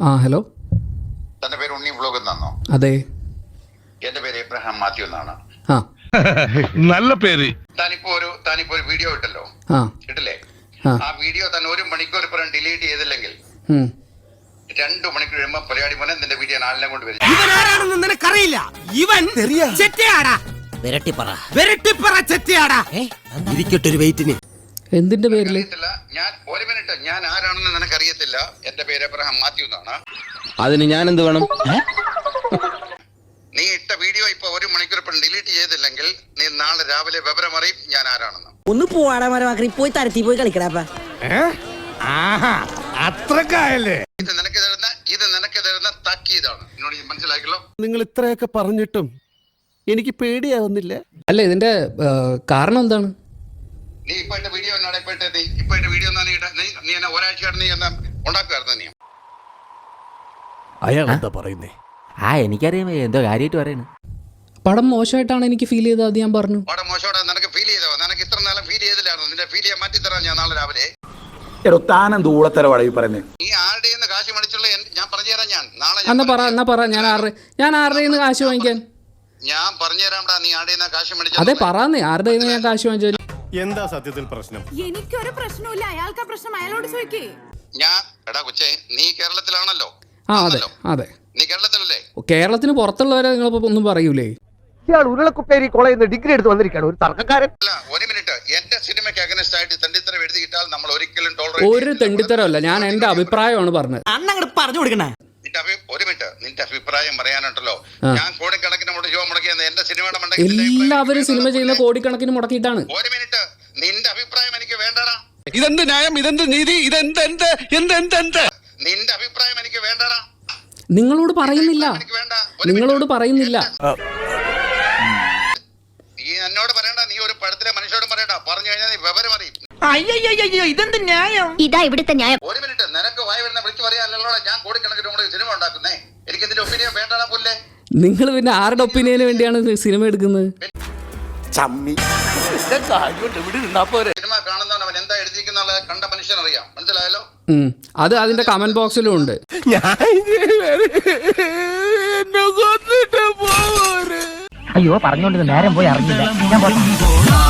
ആ ഹലോ. തന്റെ പേര് ഉണ്ണി വ്ലോഗ് എന്നാണോ? അതെ. എന്റെ പേര് എബ്രഹാം മാത്യു എന്നാണ്. ആ നല്ല പേര്. താനിപ്പോ ഒരു വീഡിയോ ഇട്ടല്ലോ, ആ ഇട്ടില്ലേ? ആ ആ വീഡിയോ തന്നെ 1 മണിക്കൂർ പുറം ഡിലീറ്റ് ചെയ്തില്ലെങ്കിൽ 2 മണിക്കൂർ കഴിയുമ്പോ പരിപാടി പോലെ നിന്റെ വീഡിയോ നാലിനെ കൊണ്ട് വരും. ഇവനാരാണെന്ന് നിനക്കറിയില്ല. ഇവൻ ചെറ്റയാടാ, വെരട്ടിപ്പറ ചെറ്റയാടാ. ഇരിക്കട്ടൊരു വെയിറ്റിന്. എന്തിന്റെ പേരില്? ഞാൻ 1 മിനിറ്റ്, ഞാൻ ആരാണെന്ന് നിനക്കറിയത്തില്ല. എന്റെ പേര് എബ്രഹാം മാത്യു എന്നാണ്. അതിന് ഞാൻ എന്ത് വേണം? നീ ഇട്ട വീഡിയോ ഇപ്പൊ 1 മണിക്കൂർ പുറം ഡിലീറ്റ് ചെയ്തില്ലെങ്കിൽ നീ നാളെ രാവിലെ വിവരം അറിയും ഞാൻ ആരാണെന്ന്. ഒന്ന് പോവാടാ മരമാക്കി, പോയി തരത്തി പോയി കളിക്കടാ. അത്രക്കായല്ലേ? ഇത് നിനക്ക് തരുന്ന താക്കീതാണ്. എന്നോട് മനസ്സിലാക്കിയല്ലോ. നിങ്ങൾ ഇത്രയൊക്കെ പറഞ്ഞിട്ടും എനിക്ക് പേടിയാവുന്നില്ല. അല്ല, ഇതിന്റെ കാരണം എന്താണ്? നീ ഇപ്പൊ എന്റെ വീഡിയോ എന്നാണ് ഇപ്പൊ വീഡിയോ നീ എന്നെ ഒരാഴ്ചയായിട്ട് നീ എന്നാ ഉണ്ടാക്കുമായിരുന്നു. നീ അയാൾ എന്താ പറയുന്നേ? എനിക്കറിയാം എന്തോ കാര്യമായിട്ട് പറയണ. പടം മോശമായിട്ടാണ് എനിക്ക് ഫീൽ ചെയ്തത്, അത് ഞാൻ പറഞ്ഞു. അവിടെ മോശോടെ നിനക്ക് ഫീൽ ചെയ്തോ? നിനക്ക് ഇത്ര നേരം ഫീൽ ചെയ്തില്ലായിരുന്നു. നിന്റെ ഫീൽ ചെയ്യാൻ മാറ്റി തരാം ഞാൻ നാളെ രാവിലെ. താനെന്ത് ഊളത്തരവാടാ ഈ പറയുന്നത്? നീ ആരുടെ കാശ് മേടിച്ചുള്ള ഞാൻ പറഞ്ഞുതരാം. ഞാൻ നാളെ എന്നാ പറ ഞാൻ ആരുടെ കാശ് വാങ്ങിക്കാൻ? ഞാൻ പറഞ്ഞുതരാംടാ. നീ ആരുടെ കാശ് മേടിച്ചു? അതെ, പറയാന്നേ, ആരുടെ ഞാൻ കാശ് വാങ്ങിച്ചാൽ? എന്താ സത്യത്തിൽ പ്രശ്നം? എനിക്കൊരു പ്രശ്നമില്ല, അയാൾക്ക് പ്രശ്നം അയാളോട് ചോദിക്കേ. ഞാൻ എടാ കൊച്ചേ, നീ കേരളത്തിലാണല്ലോ. ആ അതെ അതെ, നീ കേരളത്തിലല്ലേ? കേരളത്തിന് പുറത്തുള്ളവരെ നിങ്ങളിപ്പോ ഒന്നും പറയൂലേ? ഇയാൾ ഉരുളക്കുപ്പേരി കോളേജിൽ നിന്ന് ഡിഗ്രി എടുത്ത് വന്നിരിക്കുകയാണ്, ഒരു തർക്കക്കാരൻ. അല്ല, 1 മിനിറ്റ്. എന്റെ സിനിമയ്ക്ക് അഗൈൻസ്റ്റ് ആയിട്ട് തെണ്ടിത്തരം എഴുതിയിട്ടാൽ നമ്മൾ ഒരിക്കലും ടോളറേറ്റ് ഒരു തെണ്ടിത്തരമല്ല, ഞാൻ എന്റെ അഭിപ്രായമാണ് പറഞ്ഞത്. അണ്ണങ്ങട് പറഞ്ഞു കൊടുക്കണേ. 1 മിനിറ്റ്. നിന്റെ അഭിപ്രായം പറയാനുണ്ടല്ലോ. ഞാൻ കോടിക്കണക്കിന് മുടക്കിയെന്ന് എന്റെ സിനിമയുടെ എല്ലാവരും സിനിമ ചെയ്യുന്ന കോടിക്കണക്കിന് മുടക്കിയിട്ടാണ്. 1 മിനിറ്റ്. നിന്റെ അഭിപ്രായം എനിക്ക് വേണ്ടടാ. ഇതെന്ത് ന്യായം? ഇതെന്ത് നീതി? നിന്റെ അഭിപ്രായം എനിക്ക് വേണ്ടടാ. നിങ്ങളോട് പറയുന്നില്ല. എനിക്ക് വേണ്ട. നിങ്ങളോട് പറയുന്നില്ല. നീ എന്നോട് പറയണ്ട. നീ ഒരു പടത്തിലെ മനുഷ്യരോടും പറയണ്ട. പറഞ്ഞു കഴിഞ്ഞാൽ നീ വിവരം അറിയും. അയ്യോ ഇതെന്ത് ന്യായം? ഇതാ ഇവിടുത്തെ ന്യായം. 1 മിനിറ്റ്. നിനക്ക് വായി വരുന്ന വിളിച്ചു പറയാനല്ലോ ഞാൻ കോടിക്കണക്കിന് മുടക്കി സിനിമ ഉണ്ടാക്കുന്നേ. എനിക്ക് ഇതിന്റെ ഒപ്പീനിയൻ വേണ്ടടാ പുല്ലേ. നിങ്ങൾ പിന്നെ ആരുടെ ഒപ്പീനിയന് വേണ്ടിയാണ് സിനിമ എടുക്കുന്നത്? സിനിമ കാണുന്നവൻ അവൻ എന്താ എഴുതിയിരിക്കുന്ന കണ്ട മനുഷ്യനറിയാം. മനസ്സിലായല്ലോ? അത് അതിന്റെ കമന്റ് ബോക്സിലും ഉണ്ട്. അയ്യോ പറഞ്ഞോണ്ട് നേരം പോയി അറിഞ്ഞില്ല. ഞാൻ